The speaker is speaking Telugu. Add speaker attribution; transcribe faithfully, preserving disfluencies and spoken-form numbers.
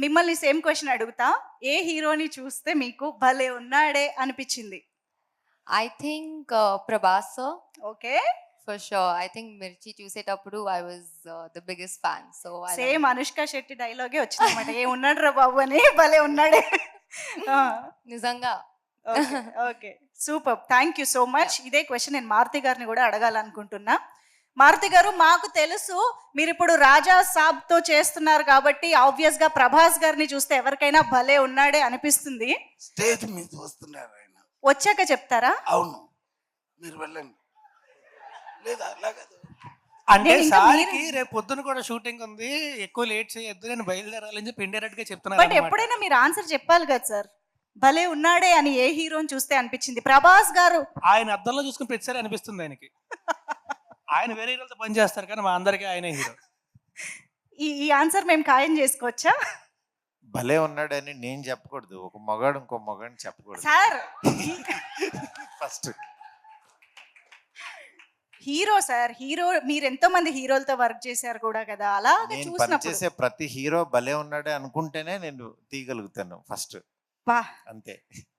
Speaker 1: మిమ్మల్ని సేమ్ క్వెషన్ అడుగుతా. ఏ హీరోని చూస్తే మీకు భలే ఉన్నాడే అనిపిచ్చింది?
Speaker 2: I think uh, Prabhas sir,
Speaker 1: okay.
Speaker 2: for sure. I think Mirchi చూసేటప్పుడు I was uh, the biggest fan. So I love
Speaker 1: same
Speaker 2: him.
Speaker 1: Anushka Shetty డైలాగే వచ్చిందన్నమాట. ఏ ఉన్నాడురా బాబు అని భలే ఉన్నాడే. ఆ!
Speaker 2: నిజంగా.
Speaker 1: Okay. Okay. Superb. Thank you so much. ఇదే క్వెషన్ నేను మారుతి గారిని గూడా అడగాలనుకుంటున్నా. మారుతి గారు, మాకు తెలుసు మీరిప్పుడు 'రాజా సాబ్'తో చేస్తున్నారు కాబట్టి ఆబ్వియస్‌గా ప్రభాస్ గారిని చూస్తే ఎవరికైనా భలే ఉన్నాడే అనిపిస్తుంది.
Speaker 3: స్టేజ్ మీద వస్తున్నారు ఆయన.
Speaker 1: వచ్చాక చెప్తారా?
Speaker 3: అవును. మీరు వెళ్ళండి. లేదా అలా కాదు.
Speaker 4: అంటే
Speaker 1: నేను ఇంకా
Speaker 4: సార్‌కి
Speaker 1: మీరు-
Speaker 4: రేపు పొద్దున కూడా షూటింగ్ ఉంది. ఎక్కువ లేట్ చేయొద్దు. నేను బయలుదేరాలని చెప్పి ఇండైరెక్ట్ గా
Speaker 1: బట్
Speaker 4: చెప్తున్నారన్నమాట.
Speaker 1: ఎప్పుడైనా మీరు ఆన్సర్ చెప్పాలి కదా సార్. భలే ఉన్నాడే అని ఏ హీరోని చూస్తే అనిపించింది? ప్రభాస్ గారు.
Speaker 4: ఆయన అద్దంలో చూసుకుని ప్రతిసారి అనిపిస్తుంది ఆయనకి. ఆయన వేరే హీరోలతో పని చేస్తారు కానీ మా అందరికీ ఆయనే హీరో.
Speaker 1: ఈ ఈ ఆన్సర్ మేము ఖాయం చేసుకోవచ్చా?
Speaker 5: భలే ఉన్నాడని నేను చెప్పకూడదు. ఒక మగాడు ఇంకో మగాడిని చెప్పకూడదు.
Speaker 1: Sir
Speaker 5: first
Speaker 1: hero sir, hero మీరు ఎంతో మంది హీరోలతో వర్క్ చేశారు కూడా కదా. అలాగే
Speaker 5: నేను
Speaker 1: చూసినప్పుడు
Speaker 5: పనిచేసే ప్రతి హీరో భలే ఉన్నాడే అనుకుంటేనే నేను తీయగలుగుతాను ఫస్ట్.
Speaker 1: బా
Speaker 5: అంతే.